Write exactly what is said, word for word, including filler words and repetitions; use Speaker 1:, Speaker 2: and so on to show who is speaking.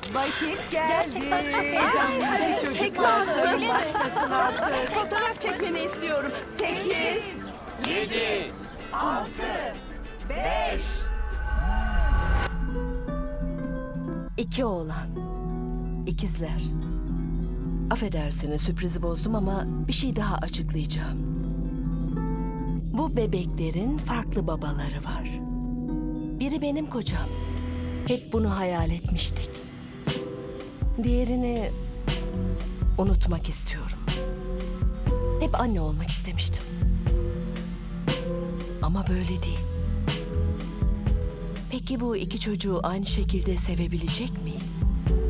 Speaker 1: Vakit geldi.
Speaker 2: Gerçekten çok heyecanlıyım.
Speaker 1: Hadi
Speaker 2: Tek
Speaker 1: çocuklar,
Speaker 2: lazım,
Speaker 1: sorun
Speaker 2: öyle mi?
Speaker 1: başlasın artık.
Speaker 2: Fotoğraf çekmeni istiyorum. Sekiz,
Speaker 3: Yedi.
Speaker 2: altı, beş.
Speaker 4: İki oğlan. İkizler. Affedersiniz sürprizi bozdum ama bir şey daha açıklayacağım. Bu bebeklerin farklı babaları var. Biri benim kocam. Hep bunu hayal etmiştik. Diğerini unutmak istiyorum. Hep anne olmak istemiştim. Ama böyle değil. Peki bu iki çocuğu aynı şekilde sevebilecek miyim?